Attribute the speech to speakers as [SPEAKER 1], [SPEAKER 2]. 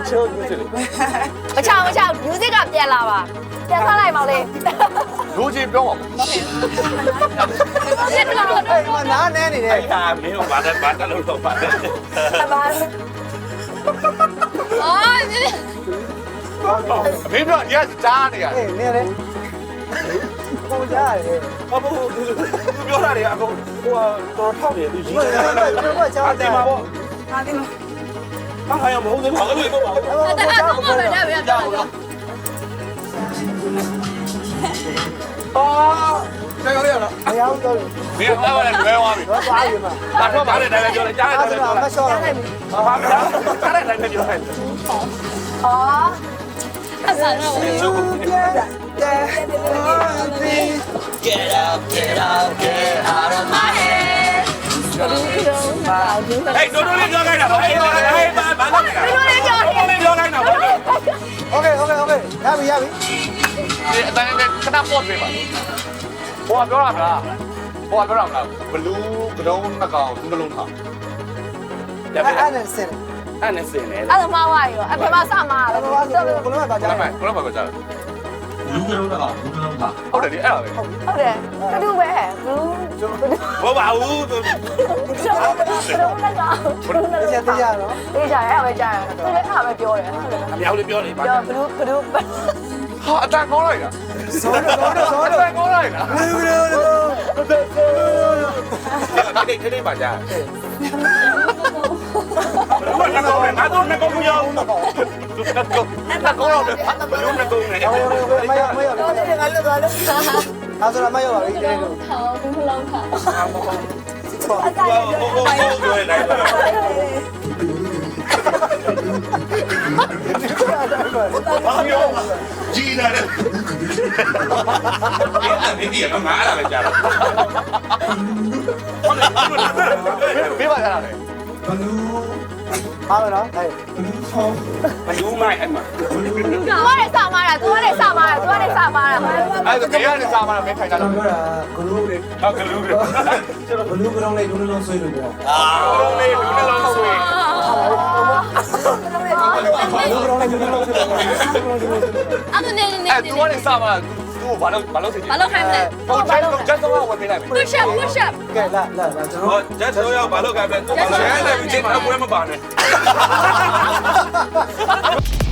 [SPEAKER 1] ချိုး music
[SPEAKER 2] မချောင် music ကပြန်လာပါပြန်ထားလိုက်ပါလေ
[SPEAKER 1] လူကြီးပြောပါဦး
[SPEAKER 2] ပြန်လာတော့
[SPEAKER 3] အဲ့မှာနားနဲနေတယ်
[SPEAKER 4] အဲ့ဒါမင်းကဘာလို့တော့ပါတယ်
[SPEAKER 2] ပါအော်
[SPEAKER 1] မင်းတို့ရက်ကြားနေရတယ်
[SPEAKER 3] အေးနေလေကိုကြားရတယ်
[SPEAKER 4] ဟုတ်ဘူးသူပြောတာတွေအကုန်ဟိုတော်ထောက်တယ်သူရေး
[SPEAKER 3] ဘယ်
[SPEAKER 4] တယ်
[SPEAKER 3] တော့ကြားတယ်
[SPEAKER 4] မှာပေါ့
[SPEAKER 2] ဟာဒီမှာ
[SPEAKER 4] ဟာရမဟုတ်သေးဘူးဘာလို့ပြောပါဦး
[SPEAKER 2] တက်တော့မှပဲဒါပဲတော့တော့
[SPEAKER 1] အော်ကျေရရလား
[SPEAKER 3] မရဘူးတော့
[SPEAKER 1] မင်းတော့လည်းလွဲသွားပြီ
[SPEAKER 3] တော့သွားပြီမှာ
[SPEAKER 4] ဘာတော့ဘာလဲတိုင်းပြောလိုက်ကြားတယ်
[SPEAKER 3] အဲ့
[SPEAKER 4] ပြော
[SPEAKER 3] ဒါ
[SPEAKER 4] လိုက်
[SPEAKER 3] မလျှော့တော့
[SPEAKER 4] ဘာမှမကြားတယ်တိုင်းပြောလိုက်
[SPEAKER 2] အော်အဆန်တော့
[SPEAKER 4] ကျုပ်က
[SPEAKER 5] Get up, get out, get out of my head.
[SPEAKER 2] ဟဲ့တို့တို့လေးပြော
[SPEAKER 4] ဟဲ့တို့လေးပြောလိုက်တာဟဲ့ဘာလို့လဲ
[SPEAKER 2] တို့လေးပြော
[SPEAKER 4] တို့လေးပြောလိုက်တာဘာလို့
[SPEAKER 3] โอเคရပြီ
[SPEAKER 1] ဒီအတိုင်းနဲ့ခဏပေါ့ပေးပါဟိုကပြောတာကဟိုကပြောတာကဘလူးကတုံးနှစ်ကောင်သူနှလုံးထား
[SPEAKER 3] အဲ့နဲ့စင်
[SPEAKER 4] အဲ့နဲ့စင်နေ
[SPEAKER 2] အဲ့ဒါမှဝါရောအဖေမစမှာပဲ
[SPEAKER 3] ဘာလို့ဘလို့ပါကြား
[SPEAKER 1] ဒါပေ
[SPEAKER 3] တယ်
[SPEAKER 1] မဲ့ဘယ်လိုမှမကြား
[SPEAKER 5] လူကလုံးတော့လူကလုံးပါ
[SPEAKER 1] ဟုတ်တယ်ဒီအဲ့ဒါပဲ
[SPEAKER 2] ဟုတ်တယ်တူပဲဘူး
[SPEAKER 4] ဘောပါဘူးသူ
[SPEAKER 2] ကျွန်တော်ကတော့
[SPEAKER 3] တရားတရားနော်
[SPEAKER 2] အေးကြရအဲ့ပဲကြားရသူလည်းအဲ့ပဲပြောတယ်ဟုတ်တယ်
[SPEAKER 4] အမြောက်လေးပြောနေပါ
[SPEAKER 2] ပြောဘလူး
[SPEAKER 1] ဟာအတန်ကောင်းလိုက်တာ
[SPEAKER 3] စောတော့
[SPEAKER 1] အတန်ကောင်းလိုက်တာ
[SPEAKER 4] တိတ်တိတ်ပါကြားဘာလဲငါတော့ငါတော့ရောက်ဘူး
[SPEAKER 1] အတန်ကောင်းတော့တယ်
[SPEAKER 4] ဘလို့ငါတော့နေ
[SPEAKER 3] မရမရ
[SPEAKER 2] တော့လည်းငါလွတ်သွားလို့
[SPEAKER 3] အဲ့ဆိုတော့မရပါဘူးဒီလို
[SPEAKER 2] ထောင်းဘူးလုံးထောင်း
[SPEAKER 4] ဟိုပြောနေတယ်ဘာပြောကြီးလာတယ်အဲ့ဒီကငါအဲ့ဒါပဲကြားတယ်
[SPEAKER 1] ဘေးပါကြတာလေ
[SPEAKER 5] ဘလူး
[SPEAKER 3] အားမနော်ဟဲ့
[SPEAKER 5] ဘလူးဖောင်း
[SPEAKER 4] ဘလူးမိုက်အဲ့မှာ
[SPEAKER 2] သူကလည်းစမားတာသူကလည်းစမားတာသူကလည်းစမားတာ
[SPEAKER 1] အဲ့ဒါဘေးကနေစားမှတော့မင်းထိုင်ကြ
[SPEAKER 5] ကျွန်
[SPEAKER 1] တာ
[SPEAKER 5] တော်ပြောတာဂလူးတွေ
[SPEAKER 4] ဟုတ်ကလူးတယ်
[SPEAKER 5] ကျွန်တော်ဘလူးကလုံးလေးလူလုံးဆွေးလို့ပြော
[SPEAKER 4] အာလုံးလေးလူနှလုံးဆွေ
[SPEAKER 3] ဘလို့လုံးလိုက်ဘလို့လုံး
[SPEAKER 2] အဲ့ဒါနေနေ
[SPEAKER 1] အဲ့သူကနေစားမှသူ့ဘာလို့သိချင်
[SPEAKER 2] ဘာလို့ခိုင်းမလဲ
[SPEAKER 1] ဟိုကျက်တော့ဝင်ပေးလိုက်မယ်
[SPEAKER 2] push up
[SPEAKER 3] ကဲလာကျွန်
[SPEAKER 4] ဟော
[SPEAKER 3] တော်
[SPEAKER 4] ကျက်တော့ရောက်ဘာလို့ကပဲကျက်တော့ရောက်ဘာလို့ကပဲကျက်တော့မပါနဲ့